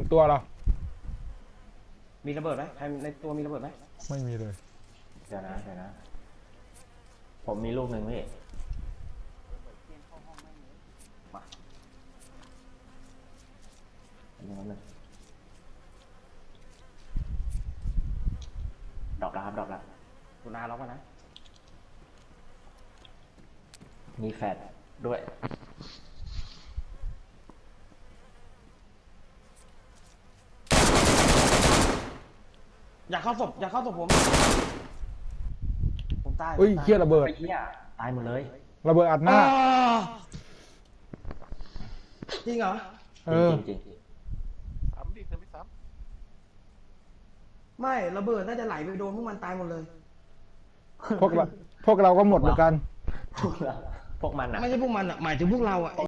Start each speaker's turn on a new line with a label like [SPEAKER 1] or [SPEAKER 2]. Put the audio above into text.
[SPEAKER 1] ตัวเรา
[SPEAKER 2] มีระเบิดไหมใครในตัวมีระเบิดไหม
[SPEAKER 1] ไม่มีเลย
[SPEAKER 3] เดี๋ยวนะผมมีลูกหนึ่งพี่มาอันนี้ดรอปแล้วครับดรอปแล้ว
[SPEAKER 2] คุณอาล็อกไว้นะ
[SPEAKER 3] มีแฟดด้วย
[SPEAKER 2] อย่าเข้าศพผมตาย
[SPEAKER 1] เฮ้ยเฮี้ยระเบิด
[SPEAKER 3] ไอ้เหี้ยตายหมดเลย
[SPEAKER 1] ระเบิดอัดหน้า
[SPEAKER 2] จริงเหรอ
[SPEAKER 1] เออ
[SPEAKER 3] จริง
[SPEAKER 4] ซ้ำดิเธอไม่ซ้
[SPEAKER 2] ไม่ระเบิดน่าจะไหลไปโดนพวกมันตายหมดเลย
[SPEAKER 1] พวกเราก็หมดเหมือนกัน
[SPEAKER 3] ๆพวกมันอะ
[SPEAKER 2] ไม่ใช่พวกมันอ่ะหมายถึงพวกเราอ่ะ